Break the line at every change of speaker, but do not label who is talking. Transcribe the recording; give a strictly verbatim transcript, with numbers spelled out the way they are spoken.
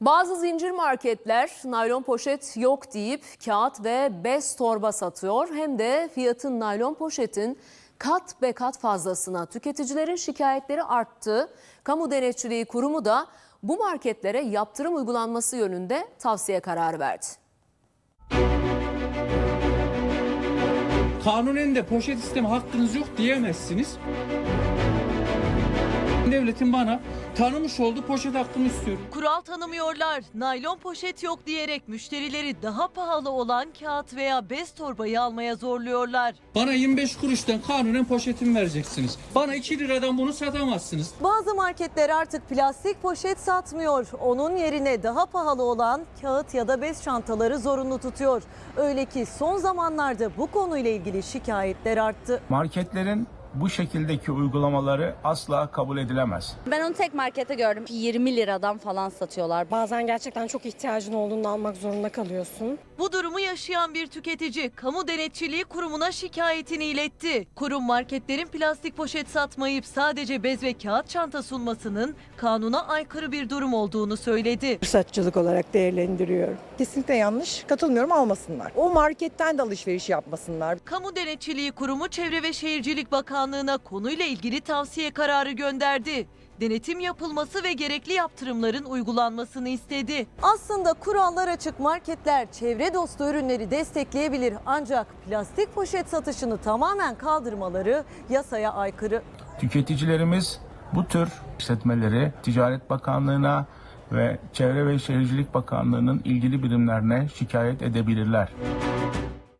Bazı zincir marketler naylon poşet yok deyip kağıt ve bez torba satıyor. Hem de fiyatın naylon poşetin kat be kat fazlasına. Tüketicilerin şikayetleri arttı. Kamu Denetçiliği Kurumu da bu marketlere yaptırım uygulanması yönünde tavsiye kararı verdi.
Kanunen de poşet isteme hakkınız yok diyemezsiniz. Devletin bana tanımış olduğu poşet hakkını istiyorum.
Kural tanımıyorlar. Naylon poşet yok diyerek müşterileri daha pahalı olan kağıt veya bez torbayı almaya zorluyorlar.
Bana yirmi beş kuruştan kanunen poşetimi vereceksiniz. Bana iki liradan bunu satamazsınız.
Bazı marketler artık plastik poşet satmıyor. Onun yerine daha pahalı olan kağıt ya da bez çantaları zorunlu tutuyor. Öyle ki son zamanlarda bu konuyla ilgili şikayetler arttı.
Marketlerin bu şekildeki uygulamaları asla kabul edilemez.
Ben onu tek markette gördüm. yirmi liradan falan satıyorlar.
Bazen gerçekten çok ihtiyacın olduğunda almak zorunda kalıyorsun.
Bu durumu yaşayan bir tüketici Kamu Denetçiliği Kurumu'na şikayetini iletti. Kurum marketlerin plastik poşet satmayıp sadece bez ve kağıt çanta sunmasının kanuna aykırı bir durum olduğunu söyledi.
Fırsatçılık olarak değerlendiriyorum. Kesinlikle yanlış, katılmıyorum, almasınlar. O marketten de alışveriş yapmasınlar.
Kamu Denetçiliği Kurumu Çevre ve Şehircilik Bakanlığı'na konuyla ilgili tavsiye kararı gönderdi. Denetim yapılması ve gerekli yaptırımların uygulanmasını istedi. Aslında kurallar açık, marketler çevre dostu ürünleri destekleyebilir. Ancak plastik poşet satışını tamamen kaldırmaları yasaya aykırı.
Tüketicilerimiz bu tür işletmeleri Ticaret Bakanlığı'na ve Çevre ve Şehircilik Bakanlığı'nın ilgili birimlerine şikayet edebilirler.